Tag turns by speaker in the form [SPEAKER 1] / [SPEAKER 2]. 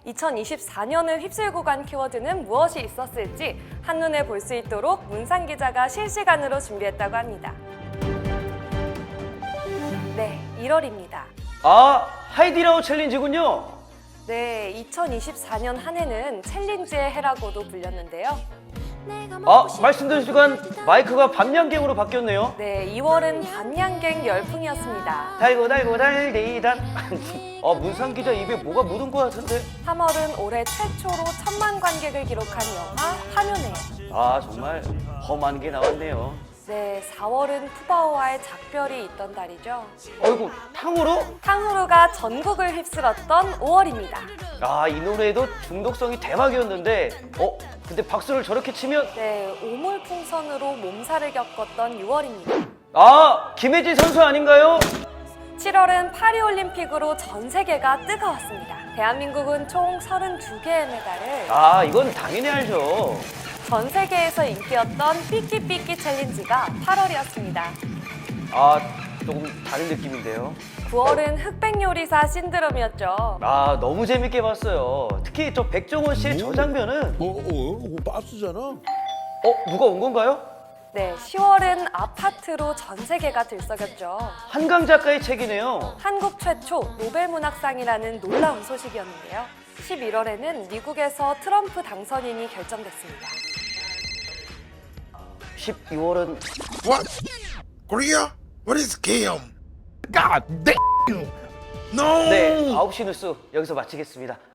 [SPEAKER 1] 2024년을 휩쓸고 간 키워드는 무엇이 있었을지 한눈에 볼 수 있도록 문상 기자가 실시간으로 준비했다고 합니다. 네, 1월입니다.
[SPEAKER 2] 아, 하이디라우 챌린지군요.
[SPEAKER 1] 네, 2024년 한 해는 챌린지의 해라고도 불렸는데요.
[SPEAKER 2] 아, 말씀드린 순간 마이크가 밤양갱으로 바뀌었네요.
[SPEAKER 1] 네, 2월은 밤양갱 열풍이었습니다.
[SPEAKER 2] 달고 달디단. 문상 기자 입에 뭐가 묻은 것 같은데?
[SPEAKER 1] 3월은 올해 최초로 1000만 관객을 기록한 영화 화면에.
[SPEAKER 2] 아, 정말 험한 게 나왔네요.
[SPEAKER 1] 네, 4월은 푸바오와의 작별이 있던 달이죠.
[SPEAKER 2] 어이구, 탕후루?
[SPEAKER 1] 탕후루가 전국을 휩쓸었던 5월입니다.
[SPEAKER 2] 아, 이 노래도 중독성이 대박이었는데 근데 박수를 저렇게 치면
[SPEAKER 1] 네, 오물풍선으로 몸살을 겪었던 6월입니다.
[SPEAKER 2] 아, 김혜지 선수 아닌가요?
[SPEAKER 1] 7월은 파리올림픽으로 전 세계가 뜨거웠습니다. 대한민국은 총 32개의 메달을
[SPEAKER 2] 아, 이건 당연히 알죠.
[SPEAKER 1] 전 세계에서 인기였던 삐끼삐끼 챌린지가 8월이었습니다.
[SPEAKER 2] 아, 조금 다른 느낌인데요.
[SPEAKER 1] 9월은 흑백 요리사 신드롬이었죠.
[SPEAKER 2] 아, 너무 재밌게 봤어요. 특히 저 백종원 씨의 저 장면은
[SPEAKER 3] 빠스잖아.
[SPEAKER 2] 누가 온 건가요?
[SPEAKER 1] 네, 10월은 아파트로 전 세계가 들썩였죠.
[SPEAKER 2] 한강 작가의 책이네요.
[SPEAKER 1] 한국 최초 노벨문학상이라는 놀라운 소식이었는데요. 11월에는 미국에서 트럼프 당선인이 결정됐습니다.
[SPEAKER 2] 12월은
[SPEAKER 3] What? Korea? What is Kim? God damn! No!
[SPEAKER 2] 네, 9시 뉴스 여기서 마치겠습니다.